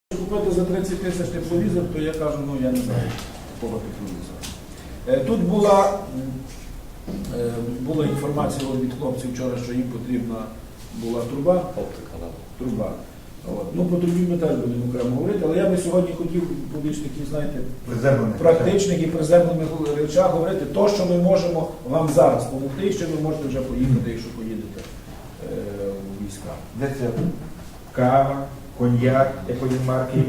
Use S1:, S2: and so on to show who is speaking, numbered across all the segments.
S1: Купити за 30 тисяч тепловізор, то я кажу, ну я не знаю, якого тепловізора. Тут була інформація від хлопців вчора, що їм потрібна була труба. Труба. Ну, про трубі ми теж будемо окремо говорити, але я би сьогодні хотів по більш таких, знаєте, практичних і приземлених речах говорити то, що ми можемо вам зараз допомогти, і що ви можете вже поїхати, якщо поїдете у війська.
S2: Де це? Кава, коньяк, якої марки,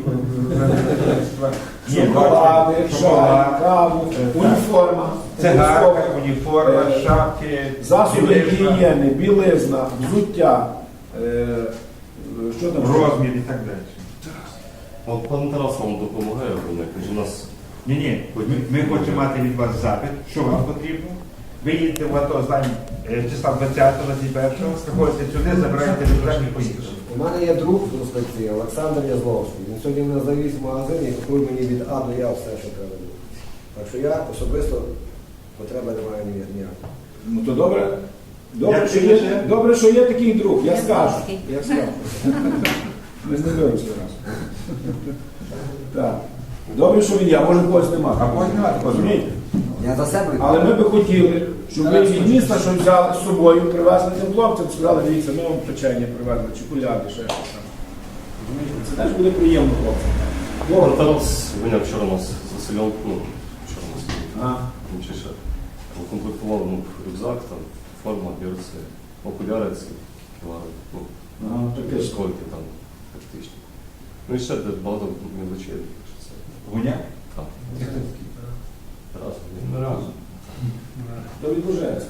S1: шоколади, чай, каву, уніформа,
S2: цигарка, уніформа, шапки,
S1: засоби гігієни, білизна, взуття, що там?
S2: Розмір і так далі.
S3: Пан Тарас вам допомагає, у нас...
S2: Ні, ми хочемо мати від вас запит, що вам потрібно. Ви їдете в АТО, знаємо, числа 20-21, приходите сюди, забираєте рюкзак і поїхали.
S4: У мене є друг з Ростовці, Олександр Язловський. Він сьогодні мене завіз в магазин і купив мені від А до Я все, що треба було. Так що я особисто потреби не маю ніякої.
S1: Ну то добре. Добре, що є такий друг, я скажу. Ми знайомимося раз. Так. Добре, що він є, а може когось немає.
S2: А когось немає,
S1: розумієте?
S4: Я за себе.
S1: Але ми би хотіли, щоб ви від міста щось взяли з собою, привезли тим хлопцям, сказали, дивіться, ми вам печення привезли, чи куляди, ще щось там. Розумієте? Це теж буде приємно хлопцям.
S3: Пан Тарас виняв вчора нас з Василем, вчора нас ще укомплектував рюкзак, там, форма, берці, окуляри, скільки там, практично. Ну і ще багато мілочей.
S2: Гуня?
S3: Так.
S1: Разом. До Відбужецька.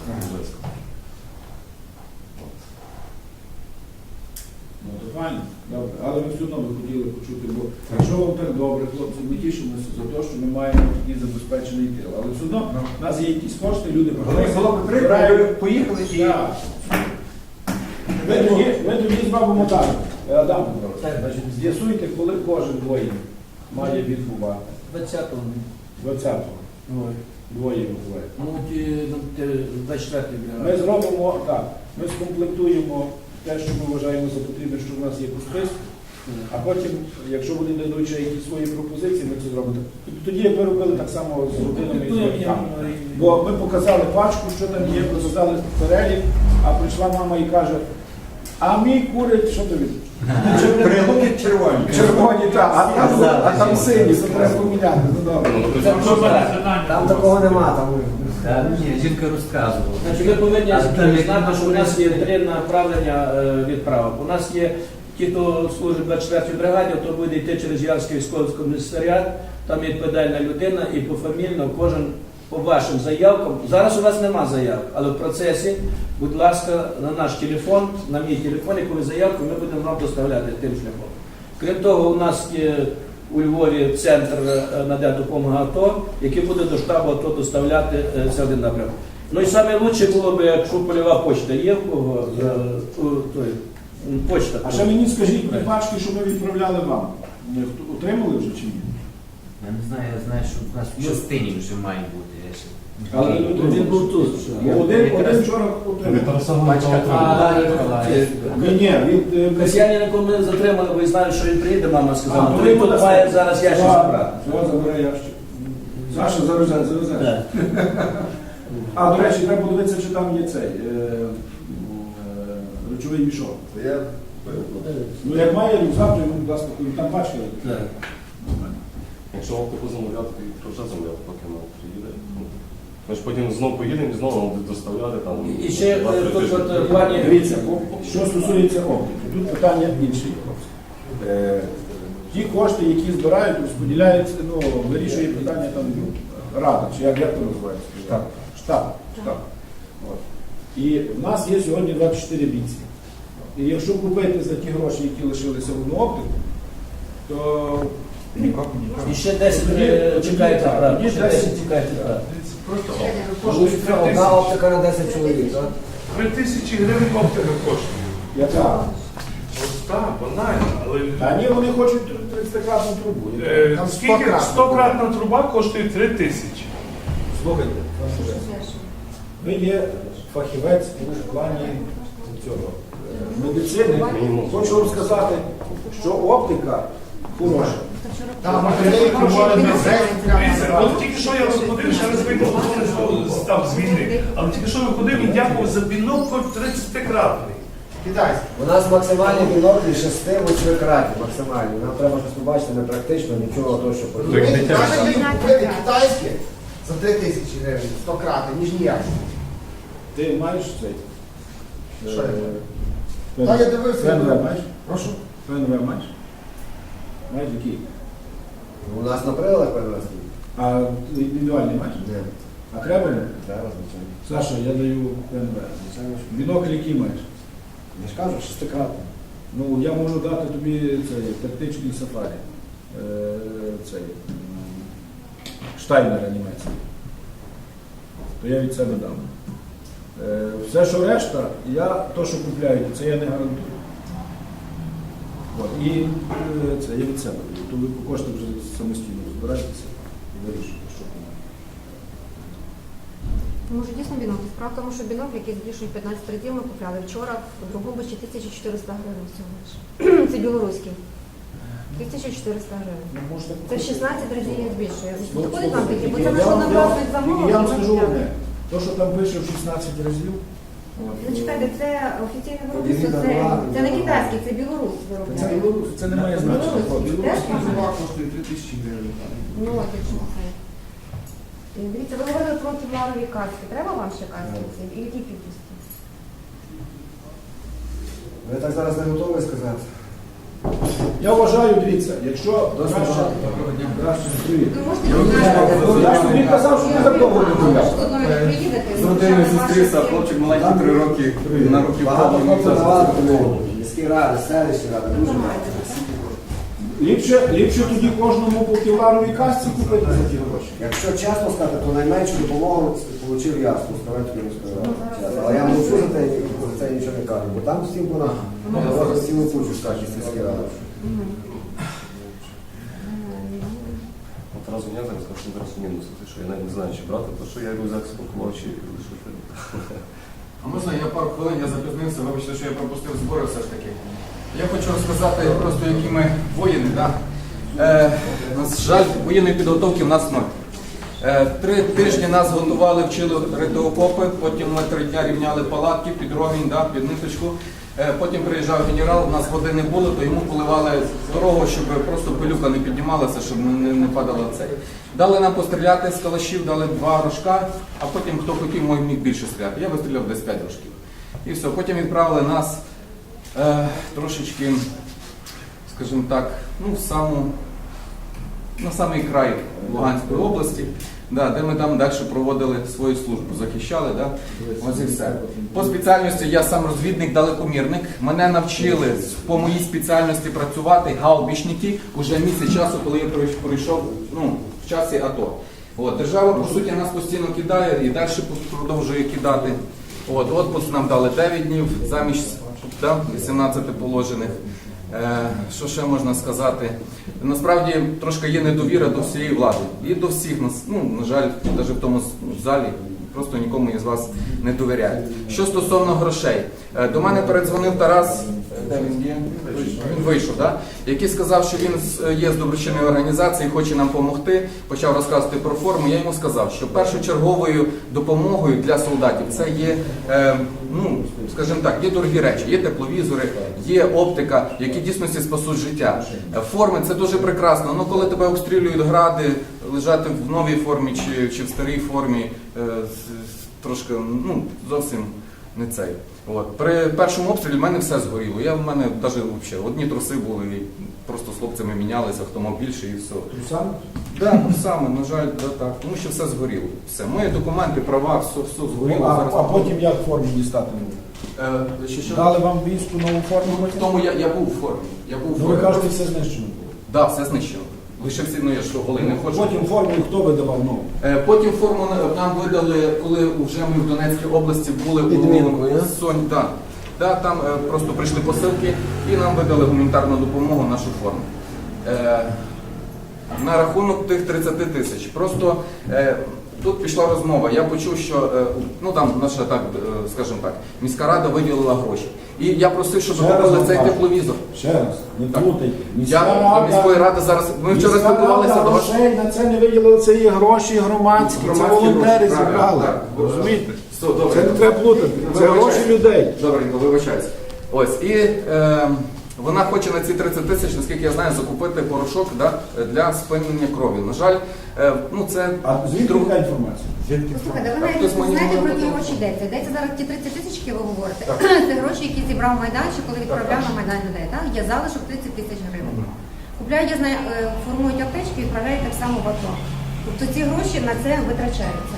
S1: Ну, то файно, добре. Але ми все одно би хотіли почути, бо якщо вам так добре, хлопці, ми тішимося за те, що ми маємо такий забезпечений тил. Але все одно в нас є якісь кошти, люди
S2: Було б прикольно, поїхали і...
S1: Ми тоді зробимо так. Адам Петрович, з'ясуйте, коли кожен воїн має відбувати.
S5: 20-го.
S1: 20-го. Двоє виходить.
S5: Ну, 24-й.
S1: Ми зробимо так, ми скомплектуємо те, що ми вважаємо за потрібне, що в нас є по списку, а потім, якщо вони дадуть ще якісь свої пропозиції, ми це зробимо. Тоді, як ви робили так само з родинами і з батьками. Бо ми показали пачку, що там є, показали перелік, а прийшла мама і каже, а мій курить, що тобі?
S2: Прилуки червоні.
S1: Червоні, так, а там сині, це треба поміняти. Ну добре.
S4: Там такого нема, там.
S5: Ні, жінка розказувала. Значить, ви повинні знати, що у нас є 3 направлення відправок. У нас є ті, хто служить в 24-й бригаді, то буде йти через Ярський військовий комісаріат, там є відповідальна людина і пофамільно кожен по вашим заявкам. Зараз у вас нема заявок, але в процесі, будь ласка, на наш телефон, на мій телефон, яку ви заявку, ми будемо вам доставляти тим шляхом. Крім того, у нас є у Львові центр надає допомогу АТО, який буде до штабу АТО доставляти це один напрямок. Ну і саме краще було б, якщо польова почта є в кого, почта.
S1: А ще мені скажіть, ті пачки, що ми відправляли вам, отримали вже чи ні?
S6: Я не знаю, я знаю, що в нас в частині вже має бути.
S1: Але
S5: Він був тут.
S1: Один вчора отримав. Ні, він...
S5: Касьянина, коли ми затримали, ви знаєте, що він приїде, мама сказала.
S1: А,
S5: То він тут має зараз ящик забрати.
S1: Все, забере ящик. Саша завезе. А, до речі, треба подивитися, чи там є цей речовий мішок. Ну, як має рюкзак, то йому, будь ласка, там пачка.
S3: Якщо вам таку замовляти, то вже замовляти, поки нам приїде. Ми ж потім знову поїдемо і знову нам будуть доставляти там.
S5: І ще тут в плані...
S1: Дивіться, що стосується оптики, тут питання інші. Ті кошти, які збирають, розподіляються, вирішує питання там рада, чи як то називається? Штаб. От. І в нас є сьогодні 24 бійці. І якщо купити за ті гроші, які лишилися в одну оптику, то...
S5: І ще 10 чекаєте, правда? Ще 10 чекаєте, правда?
S4: Одна оптика на 10 чоловік, так?
S7: 3000 гривень оптика коштує.
S1: Яка?
S7: Ось так, банально, але...
S1: А ні, вони хочуть 30-кратну трубу. Там
S7: Скільки 100-кратна труба коштує 3000?
S1: Слухайте, ви є фахівець у плані цього медицини. Хочу вам сказати, що оптика хороша.
S8: Там матеріали проводять
S7: Дивіться, от тільки що я виходив, ще раз вийду, хто став з війни. Але тільки що виходив і дякував за бінокль 30-кратний.
S8: китайські.
S4: У нас максимальні біноклі 6-8 кратів, максимальні. Нам треба щось побачити, не практично, нічого того, що
S8: Ви
S4: потрібно.
S8: краще їх купити китайські за 3 тисячі гривень, 100 крати, ніж ніяк.
S1: Ти маєш цей?
S8: Що я маю?
S1: Пен-
S8: Та я дивився.
S1: ПНВ маєш?
S8: Прошу.
S1: ПНВ маєш? Маєш який?
S4: У нас на приладах перенесли.
S1: А індивідуальний маєш?
S4: Ні.
S1: А треба?
S4: Зараз, звичайно.
S1: Саша, я даю ПНВ. Бінокль який маєш?
S4: Я ж кажу, 6-кратний.
S1: Ну, я можу дати тобі цей тактичний сафарі. Цей Штайнера німецький. То я від себе дам. Все, що решта, то, що купляю, це я не гарантую. От. І це я від себе даю. То ви по кошти вже самостійно розбирайтеся і вирішуєте, що кому.
S9: Може дійсно бінокль. Справа в тому, що бінокль, який збільшують 15 разів, ми купляли вчора в другому ще 1400 гривень всього лиш. Це білоруський. 1400 гривень.
S1: Ну, можете
S9: Це в 16 разів їх збільшує.
S1: Ну,
S9: Підходить вам такі, бо
S1: я
S9: це на що
S1: вам-
S9: направить
S1: я
S9: замовлення.
S1: вам скажу одне. То, що там пише в 16 разів, от,
S9: Ну чекайте, це офіційне виробництво,
S4: Дивіться,
S9: це не китайський, це білорус
S1: це,
S9: виробляє.
S1: це не має значення.
S9: Білоруський. Теж
S8: Білоруський
S9: можна?
S8: зубак коштує 3 тисячі гривень.
S9: Ну от якщо це. Дивіться, ви говорили про кевларові каски. Треба вам ще каски? І які кількості?
S4: Ви так зараз не готові сказати.
S1: Я вважаю, дивіться, якщо
S4: Досить
S1: краще,
S4: багато.
S1: краще привіт.
S9: Ви можете
S1: Я ж тобі казав, що не такого не гуляв.
S9: з родиною зустрівся, а хлопчик
S6: маленький 3 роки на руки
S4: Багато хлопців давали допомогу. Міські ради, селищні ради, дуже багато.
S1: Ліпше тоді кожному по кевларовій касці купити за ті гроші.
S4: Якщо чесно сказати, то найменшу допомогу отримав я з Пускавецької міської ради. Але я мовчу за це нічого не кажу, бо там всім вона наводить цілу кучу скажуть сільські ради.
S3: От разу я зараз скажу одразу мінуси, те, що я навіть не знаю, чи брати, тому що я рюкзак спакував, чи лише.
S10: А можна я пару хвилин, я запізнився, вибачте, що я пропустив збори все ж таки. Я хочу розказати просто, які ми воїни. Да? На жаль, воєнної підготовки в нас ноль. 3 тижні нас готували, вчили рити окопи, потім ми 3 дні рівняли палатки під ровень, да, під ниточку. Потім приїжджав генерал, у нас води не було, то йому поливали дорогу, щоб просто пилюка не піднімалася, щоб не падала цей. Дали нам постріляти з калашів, дали 2 рожка, а потім хто хотів, міг більше стріляти. Я вистріляв десь 5 рожків. І все, потім відправили нас трошечки, скажімо так, на самий край Луганської області, да, де ми там далі проводили свою службу, захищали. Да? Ось і все. По спеціальності я сам розвідник-далекомірник. Мене навчили по моїй спеціальності працювати гаубічники уже місяць часу, коли я пройшов в часі АТО. От, держава, по суті, нас постійно кидає і далі продовжує кидати. Отпуск нам дали 9 днів замість 18 положених. Що ще можна сказати? Насправді трошки є недовіра до всієї влади. І до всіх нас, на жаль, навіть в тому залі, просто нікому із вас не довіряють. Що стосовно грошей. До мене передзвонив Тарас, де він є? Він вийшов, да? Який сказав, що він є з доброчинної організації, хоче нам допомогти, почав розказувати про форму. Я йому сказав, що першочерговою допомогою для солдатів це є, скажімо так, є дорогі речі, є тепловізори, є оптика, які в дійсності спасуть життя. Форми – це дуже прекрасно, але коли тебе обстрілюють гради, лежати в новій формі чи в старій формі, трошки, зовсім не цей. При першому обстрілі в мене все згоріло. В мене навіть взагалі одні труси були, і просто з хлопцями мінялися, хто мав більше і все.
S1: Трусами?
S3: Так, трусами, на жаль, так. Тому що все згоріло. Все. Мої документи, права, все згоріло.
S1: А потім як форму дістати нову? Дали вам війську нову форму?
S3: В тому я був у формі.
S1: Ви кажете, все знищено було?
S3: Так, все знищено. Лише всі, я що, голий не хочу.
S1: Потім форму хто видавав нову?
S3: Потім форму нам видали, коли вже ми в Донецькій області були
S4: Підмінку, я?
S3: Сонь. Да, там просто прийшли посилки і нам видали гуманітарну допомогу, нашу форму. На рахунок тих 30 тисяч. Просто тут пішла розмова. Я почув, що там наша, так, скажімо так, міська рада виділила гроші.
S10: І я просив, щоб
S1: Ще раз
S10: купили цей
S1: вам кажу.
S10: тепловізор.
S1: Ще раз, не
S10: Так.
S1: плутайте.
S10: Я до міської ради зараз. Ми вчора
S1: Міська
S10: спілкувалися
S1: рада
S10: до вас.
S1: грошей на це не виділили, це є гроші громадські, це
S10: Громадські
S1: волонтери
S10: гроші,
S1: зібрали.
S10: так.
S1: Розумієте?
S10: Все, добре.
S1: Це не треба плутати. Це гроші людей.
S10: Добренько, вибачаюсь. Ось, і вона хоче на ці 30 тисяч, наскільки я знаю, закупити порошок для спинення крові. На жаль, це
S1: А звідки
S10: друг-
S1: така інформація?
S9: Послухайте, ви
S10: Так,
S9: навіть
S10: хтось
S9: не
S10: мені
S9: знаєте, про
S10: говорив.
S9: які гроші йдеться. Йдеться зараз ті 30 тисяч, які ви говорите. Це гроші, які зібрав Майданчик, коли відправляв на Майдан людей. Так? Є залишок 30 тисяч гривень. Купляють, я знаю, формують аптечки і відправляють так само в АТО. Тобто ці гроші на це витрачаються.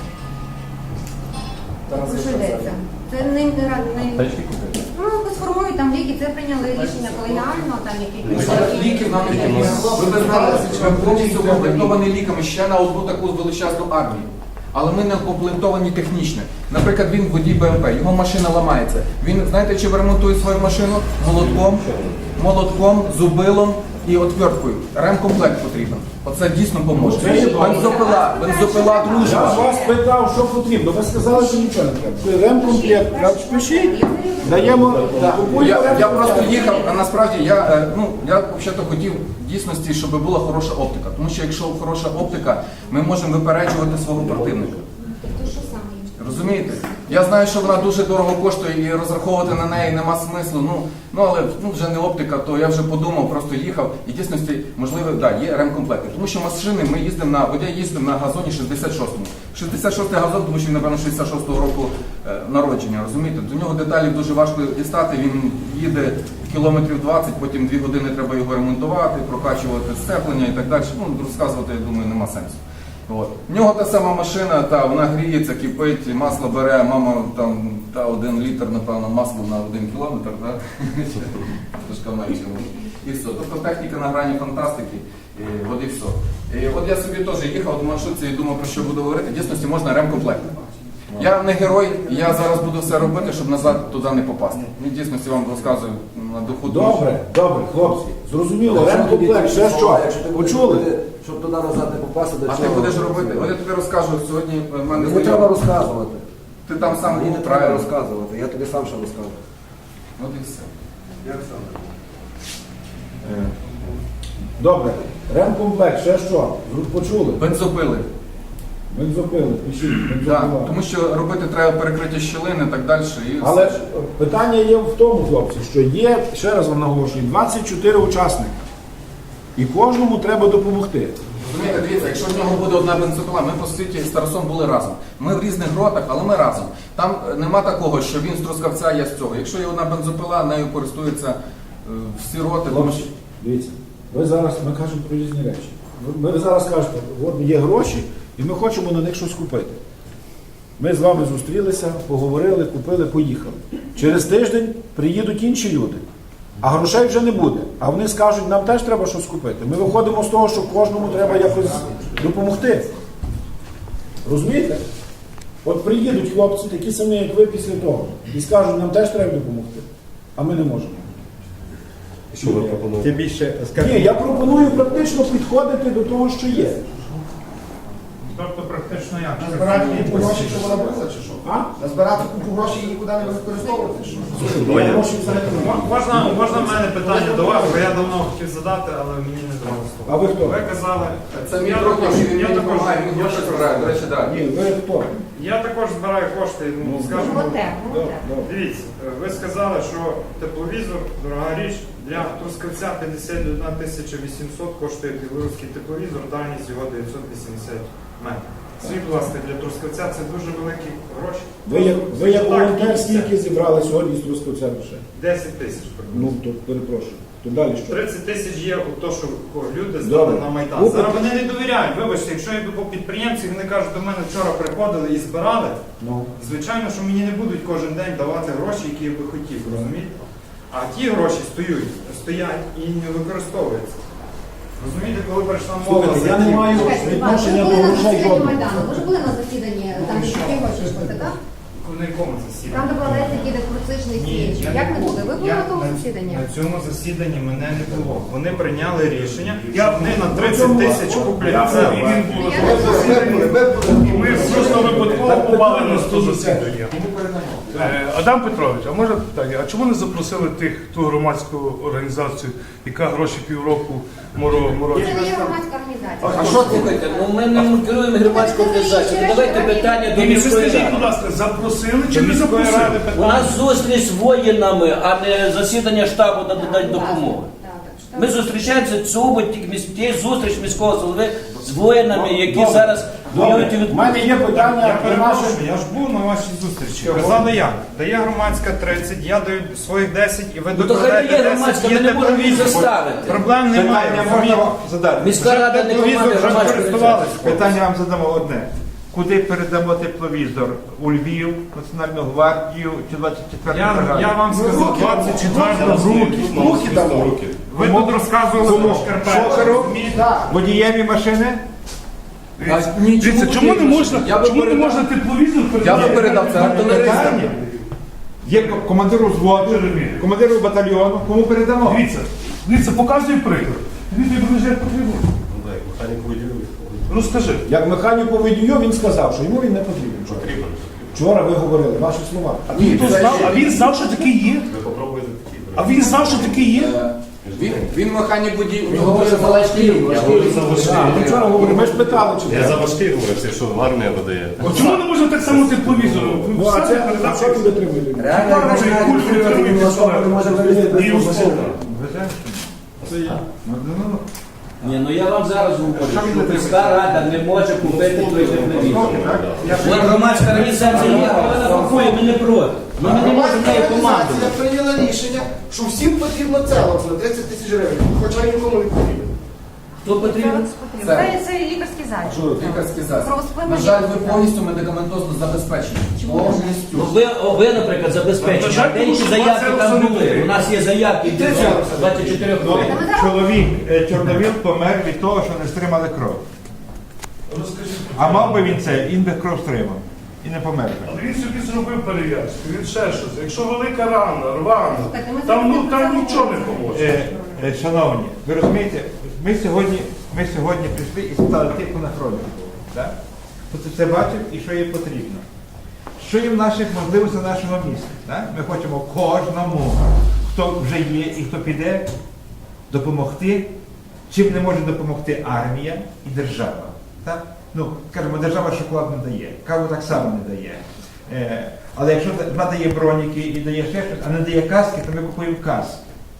S9: Про що йдеться? Це не
S3: Тачки купити.
S9: сформують там ліки, це прийняли рішення колегіально, там якісь
S10: Ліків нам не потрібно. Ви б знали, що ми повністю укомплектовані ліками ще на одну таку величезну армію. Але ми не укомплектовані технічно. Наприклад, він водій БМП, його машина ламається. Він, знаєте, чим ремонтує свою машину? Молотком, зубилом і отверткою. Ремкомплект потрібен. Оце дійсно поможе.
S1: Це є добре.
S10: Бензопила
S1: Я
S10: дружба.
S1: вас питав, що потрібно. Ви сказали, що нічого не треба. Ремкомплект, пишіть, даємо, купуємо
S10: Я
S1: ремкомплект.
S10: просто їхав, а насправді я взагалі хотів в дійсності, щоб була хороша оптика. Тому що якщо хороша оптика, ми можемо випереджувати свого противника.
S9: Тобто що саме?
S10: Розумієте? Я знаю, що вона дуже дорого коштує і розраховувати на неї нема смислу. Але вже не оптика, то я вже подумав, просто їхав. І в дійсності, можливо, є ремкомплекти. Тому що машини ми їздимо я їздив на газоні 66-му. 66-й газон, тому що він, напевно, 66-го року народження, розумієте? До нього деталі дуже важко дістати, він їде кілометрів 20, потім 2 години треба його ремонтувати, прокачувати сцеплення і так далі. Розказувати, я думаю, нема сенсу. От. В нього та сама машина, вона гріється, кипить, масло бере, мама там 1 літр, напевно, масла на 1 кілометр, так? Трошки менше. І все. Тобто техніка на грані фантастики, от і все. І от я собі теж їхав в маршрутці і думав, про що буду говорити. В дійсності можна ремкомплект. Я не герой, я зараз буду все робити, щоб назад туди не попасти. В дійсності вам розказую на духу.
S1: Добре, хлопці, зрозуміло, ремкомплект, ще що? Почули?
S4: Щоб туди назад не попасти, до
S10: А
S4: чого?
S10: ти будеш робити? От я тобі розкажу сьогодні. В мене
S4: Мені треба розказувати.
S10: Ти там сам
S4: Мені
S10: був
S4: не треба
S10: правильно.
S4: розказувати, я тобі сам ще розкажу.
S10: От і все.
S1: Добре, ремкомплект, ще що? Почули?
S10: Бензопили.
S1: Бензопили, пишіть,
S10: Да,
S1: бензопила.
S10: тому що робити треба перекриття щілин і так далі. І
S1: Але
S10: все.
S1: питання є в тому, хлопці, що є, ще раз вам наголошую, 24 учасники. І кожному треба допомогти.
S10: Розумієте, дивіться, якщо в нього буде одна бензопила, ми по суті з Тарасом були разом. Ми в різних ротах, але ми разом. Там нема такого, що він з Трускавця, я з цього. Якщо є одна бензопила, нею користуються всі роти. Тому що...
S1: Дивіться, ви зараз, ми кажемо про різні речі. Ви зараз кажете, от є гроші, і ми хочемо на них щось купити. Ми з вами зустрілися, поговорили, купили, поїхали. Через тиждень приїдуть інші люди, а грошей вже не буде. А вони скажуть, нам теж треба щось купити. Ми виходимо з того, що кожному треба якось допомогти. Розумієте? От приїдуть хлопці, такі самі, як ви після того, і скажуть, нам теж треба допомогти, а ми не можемо.
S3: Що ви пропонуєте?
S2: Тим більше,
S1: Ні, я пропоную практично підходити до того, що є.
S7: Тобто практично як?
S8: Назбирати купу грошей, щоб вона була, чи що?
S1: А?
S8: Назбирати купу грошей і нікуди не використовувати, чи що?
S1: Я гроші взагалі не маю.
S7: Можна в мене питання до вас, бо я давно хотів задати, але мені не давали слово.
S1: А ви хто?
S7: Ви казали,
S10: Це мій друг, він
S7: я
S10: мені
S7: також,
S10: допомагає, він гроші збирає. До речі, так.
S1: Ні, ви хто?
S7: я також збираю кошти, скажімо.
S9: Волонтер.
S7: Дивіться, ви сказали, що тепловізор, дорога річ, для Трускавця 51 800 коштує білоруський тепловізор, дальність його 980 метрів. Скажіть, будь ласка, для Трускавця це дуже великі гроші.
S1: Ви як
S7: Так,
S1: волонтер
S7: і
S1: скільки зібрали сьогодні з Трускавця грошей?
S7: 10 тисяч.
S1: Ну, то перепрошую. То далі що?
S7: 30 тисяч є у то, що люди здали
S1: Добре.
S7: на Майдан.
S1: Ну,
S7: Зараз вони не довіряють. Вибачте, якщо я йду по підприємці, вони кажуть, до мене вчора приходили і збирали,
S1: Ну.
S7: звичайно, що мені не будуть кожен день давати гроші, які я би хотів, розумієте? А ті гроші стоять і не використовуються. Розумієте, коли прийшла мова
S1: Слухайте, я
S7: за
S1: не
S7: ті-
S1: маю
S9: Ви
S1: відношення
S9: були
S1: до
S9: на
S1: грошей
S9: засіданні
S1: жодного.
S9: Майдану, ви ж були на засіданні, там які гроші йшли, так?
S7: На якому
S9: Там
S7: засіданні?
S9: докладається такий демократичний
S7: Ні,
S9: слідчий.
S7: я
S9: Як
S7: не
S9: не
S7: був.
S9: були? Ви були
S7: Я
S9: на тому
S7: на-
S9: засіданні?
S7: На цьому засіданні мене не було. Вони прийняли рішення. Вони на 30 тисяч куплять це.
S11: Ми просто випадково попали на 100 засідання. Адам Петрович, а може питання, а чому не запросили ту громадську організацію, яка гроші півроку
S9: Це
S11: морочить?
S9: не є громадська організація.
S5: А що слухайте? Ну ми не керуємо громадську організацію. Давайте питання до
S11: Ні, ви
S5: міської
S11: скажіть,
S5: ради.
S11: будь ласка, запросили чи не запросили?
S5: У нас зустріч з воїнами, а не засідання штабу надати допомоги. Ми зустрічаємося тієї зустріч міського голови з воїнами, які зараз воюють і
S1: У мене є питання
S7: Я
S1: про наше.
S7: перепрошую, я ж був на вашій зустрічі. Казали як? Дає громадська 30, я даю своїх 10 і ви
S5: Ну, то хай
S7: докладаєте
S5: дає
S7: 10,
S5: громадська,
S7: є
S5: ми не можемо її
S7: тепловізор.
S5: заставити.
S7: Проблем немає.
S2: Питання можна задати.
S5: Міська рада не
S7: Тепловізор
S5: команда
S7: вже
S5: громадської
S7: користувалися.
S2: Питання вам задамо одне. Куди передамо тепловізор? У Львів, Національну гвардію чи 24 бригаду?
S7: Я вам сказав, 24
S8: Руки дамо.
S7: Ви тут розказували про
S2: Шоферу?
S7: Шкарпетку.
S2: Водієві машини?
S11: Дивіться, чому не можна тепловізор
S10: Я би
S11: передати?
S10: передав це артилеристам.
S2: Питання. Є командиру взводу, командиру батальйону. Кому передамо?
S11: Дивіться, показуй приклад. Дивіться, як потрібно.
S3: Ну, так, механіку виділили.
S11: Розкажи.
S1: Як механіку водію, він сказав, що йому він не потрібен.
S3: Потрібен.
S1: Вчора ви говорили, ваші слова.
S11: А він знав, що таке є?
S3: Ви попробуйте такі.
S11: А він знав, що таке є?
S10: Він механік водій.
S5: Він говорить за важкий.
S3: Я говорю за важкий.
S1: Ми вчора говорили, ми ж питали, чи
S3: Я
S1: треба.
S3: за важкий говорю, це що армія видає.
S11: От чому не можна так само тепловізор?
S1: Ну, а це а що він витримує?
S4: Реально, він особа не може вивезти без того машини.
S5: Ні, ну я вам зараз говорю, що міська рада не може купити той тепловізор. От громадська організація є, вона рахує, ми не проти. Ну ми не можемо нею командувати.
S8: Організація прийняла рішення, що всім потрібно це на 30 тисяч гривень, хоча нікому не потрібно.
S5: Хто потрібен?
S9: Це лікарський заклад.
S10: Лікарський засіб.
S9: Правоспинний
S10: На жаль, ви
S9: лікарський
S10: повністю медикаментозно забезпечені. Повністю.
S5: Ну ви, наприклад, забезпечені. А деякі заявки там були. У нас є заявки від 24 хвилин.
S2: Чоловік Чорновіл помер від того, що не стримали кров. А мав би він це, він би кров стримав. І не помер би.
S11: Але він собі зробив перев'язку, він ще щось. Якщо велика рана, рвана,
S9: Так, ми
S11: там
S9: зараз
S11: нічого не поможе.
S2: Шановні, ви розумієте, ми сьогодні прийшли і спитали тих, хто на фронті був. Так? Хто це все бачив і що їм потрібно. Що є в наших можливостях нашого міста. Так? Ми хочемо кожному, хто вже є і хто піде, допомогти. Чим не може допомогти армія і держава. Так? Ну, скажімо, держава шоколад не дає, каву так само не дає. Але якщо вона дає броніки і дає ще щось, а не дає каски, то ми купуємо каски.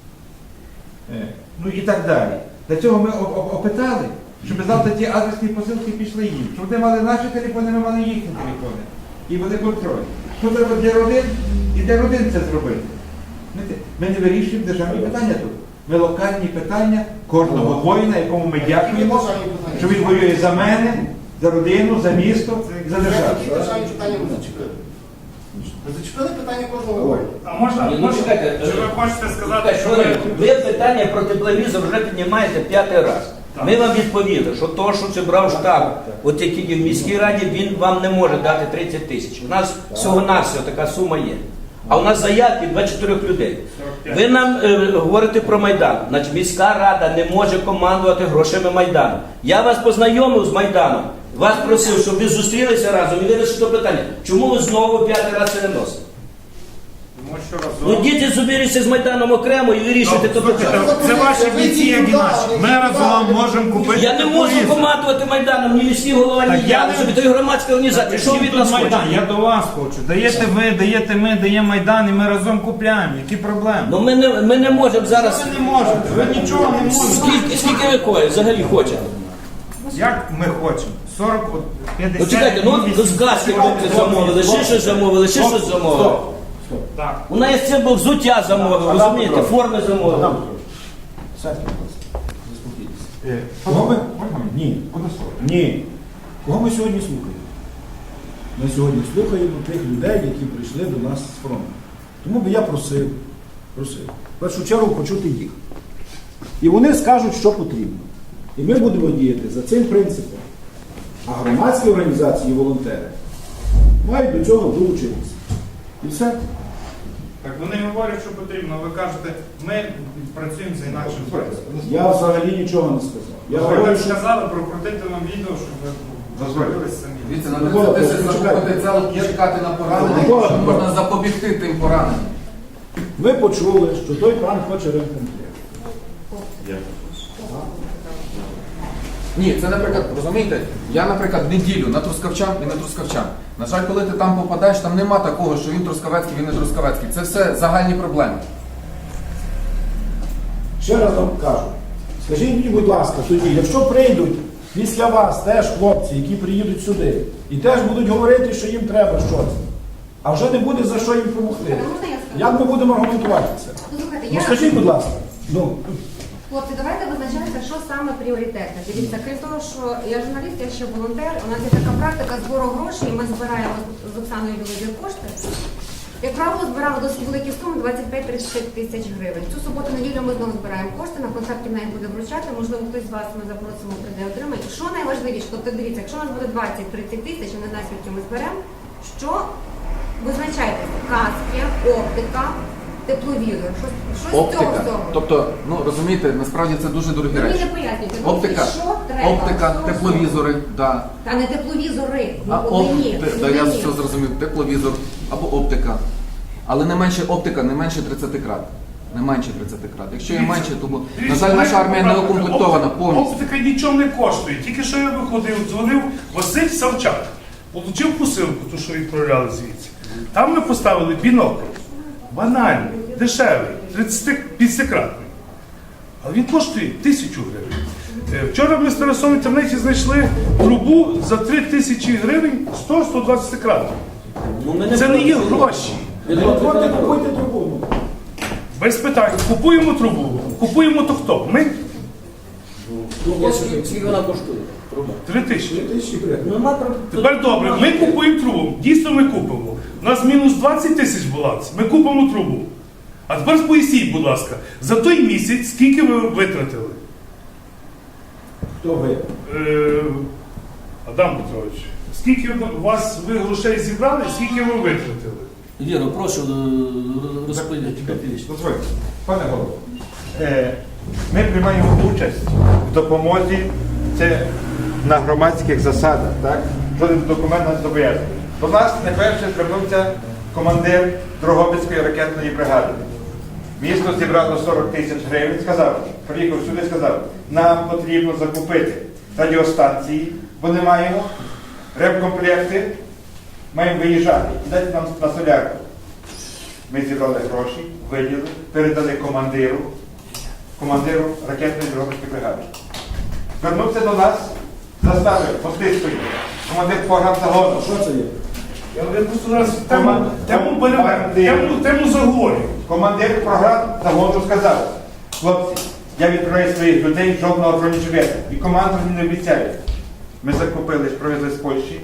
S2: Ну і так далі. Для цього ми опитали, щоб завтра ті адресні посилки пішли їм. Щоб вони мали наші телефони, ми мали їхні телефони. І вони контроль. Що треба для родин? І для родин це зробити. Ми не вирішуємо державні питання тут. Ми локальні питання кожного воїна, якому ми дякуємо, що він воює за мене, за родину, за місто, за державу.
S8: Які державні питання ви зачепили? Ви зачепили питання кожного воїна.
S11: А можна?
S5: Ні, ну чекайте,
S7: Чи ви хочете сказати, що
S5: ви питання про тепловізор вже піднімаєте 5-й раз. Ми вам відповіли, що то, що зібрав штаб, от який в міській раді, він вам не може дати 30 тисяч. У нас всього-навсього така сума є. А у нас заявки 24 людей. Ви нам говорите про Майдан. Значить, міська рада не може командувати грошима Майдану. Я вас познайомив з Майданом, вас просив, щоб ви зустрілися разом і вирішили то питання. Чому ви знову 5-й раз це не носите?
S7: Тому що
S5: Ну
S7: разом.
S5: діти зубіріться з Майданом окремо і вирішуйте то питання.
S7: Це ваші бійці, як і наші. Ми разом можемо купити.
S5: Я не можу
S7: тепловізор.
S5: командувати Майданом, ні міський голова, ні
S7: Так я
S5: я.
S7: не-
S5: Собі то громадська організація. Що від нас хоче?
S7: Я до вас хочу. Даєте ви, даєте ми, дає Майдан, і ми разом купляємо. Які проблеми?
S5: Ну ми не можемо зараз.
S7: Ви не можете, ви нічого не можете.
S5: Скільки ви кої взагалі хочете?
S7: Як ми хочемо? 40, 50.
S5: Ну чекайте, ну з газки хлопці замовили, ще щось замовили, ще щось замовили.
S7: Так.
S5: У нас це був взуття замовили, розумієте, форми замовили.
S1: Сядьте, будь ласка. Заспокійтеся.
S2: Кого ми?
S1: Ні. Ні. Кого ми сьогодні слухаємо? Ми сьогодні слухаємо тих людей, які прийшли до нас з фронту. Тому би я просив, в першу чергу почути їх. І вони скажуть, що потрібно. І ми будемо діяти за цим принципом. А громадські організації і волонтери мають до цього долучитися. І все.
S7: Так вони говорять, що потрібно. Ви кажете, ми працюємо за інакшим принципом.
S1: Я взагалі нічого не сказав. Я
S7: Ви
S1: говорю,
S7: так
S1: що
S7: сказали, прокрутити нам відео, щоб ви подивилися самі.
S10: Дивіться, на 30 тисяч закупити целок і чекати на поранення, що можна запобігти тим пораненням.
S1: ви почули, що той пан хоче ремкомплект.
S10: Ні, це, наприклад, розумієте, я, наприклад, неділю на Трускавчан і на Трускавчан. На жаль, коли ти там попадаєш, там нема такого, що він Трускавецький, він не Трускавецький. Це все загальні проблеми.
S1: Ще раз вам кажу, скажіть мені, будь ласка, тоді, якщо прийдуть після вас теж хлопці, які приїдуть сюди, і теж будуть говорити, що їм треба щось, а вже не буде за що їм допомогти.
S9: Можна я скажу?
S1: Як ми будемо аргументувати це?
S9: Слухайте,
S1: Ну
S9: я...
S1: скажіть, будь ласка. Ну,
S9: Хлопці, давайте визначаємося, що саме пріоритетне. Дивіться, крім того, що я журналіст, я ще волонтер, у нас є така практика збору грошей, і ми збираємо з Оксаною Білозір кошти. Як правило, збирали досить великі суми, 25-35 тисяч гривень. Цю суботу-неділю ми знову збираємо кошти, на концерті в неї буде вручати, можливо, хтось з вас ми запросимо, прийде отримає. І що найважливіше, тобто дивіться, якщо у нас буде 20-30 тисяч, я не знаю, скільки ми зберемо, що визначайтеся, каски, оптика, тепловізор, щось з цього
S10: Оптика.
S9: всього.
S10: Тобто, ну розумієте, насправді це дуже дорогі
S9: Мені
S10: речі.
S9: не пояснюйте,
S10: Оптика,
S9: що треба.
S10: оптика,
S9: що
S10: тепловізори, да.
S9: Та не тепловізори,
S10: А
S9: глибині.
S10: да, я все зрозумів, тепловізор або оптика. Але не менше оптика, не менше 30 крат. Не менше 30 крат. Якщо є менше, то, на жаль, наша армія не укомплектована повністю.
S11: Оптика нічого не коштує. Тільки що я виходив, дзвонив Василь Савчак. Получив посилку, ту, що відправляли звідси. Там ми поставили бінокль. Банальний, дешевий, 30-кратний. Але він коштує 1000 гривень. Вчора ми з Тарасом в інтернеті знайшли трубу за 3000 гривень 100-120 кратів. Це не є гроші.
S1: Купуйте трубу.
S11: Без питань. Купуємо трубу. Купуємо то хто? Ми?
S5: Скільки вона коштує?
S11: 3000.
S1: 3000 гривень.
S11: Тепер добре, ми купуємо трубу. Дійсно ми купимо. У нас мінус 20 тисяч баланс. Ми купимо трубу. А тепер поясніть, будь ласка, за той місяць скільки ви витратили?
S1: Хто ви?
S11: Адам Петрович, скільки у вас ви грошей зібрали, скільки ви витратили?
S5: Віро, прошу розповідати.
S2: Дозвольте. Пане голово, ми приймаємо участь в допомозі, це на громадських засадах, так? Жоден документ нас зобов'язує. До нас найперше звернувся командир Дрогобицької ракетної бригади. Місто зібрало 40 тисяч гривень, сказав, приїхав сюди і сказав, нам потрібно закупити радіостанції, бо не маємо, ремкомплекти, маємо виїжджати і дайте нам на солярку. Ми зібрали гроші, виділили, передали командиру ракетної Дрогобицької бригади. Звернувся до нас, заставив, постискою, командир погранзагону.
S1: Що це є?
S11: Я просто зараз тему переверну, тему заговорю.
S2: Командир програм загону сказав, хлопці, я відправляю своїх людей, жодного бронежилета. І команду мені не обіцяє. Ми закупили, привезли з Польщі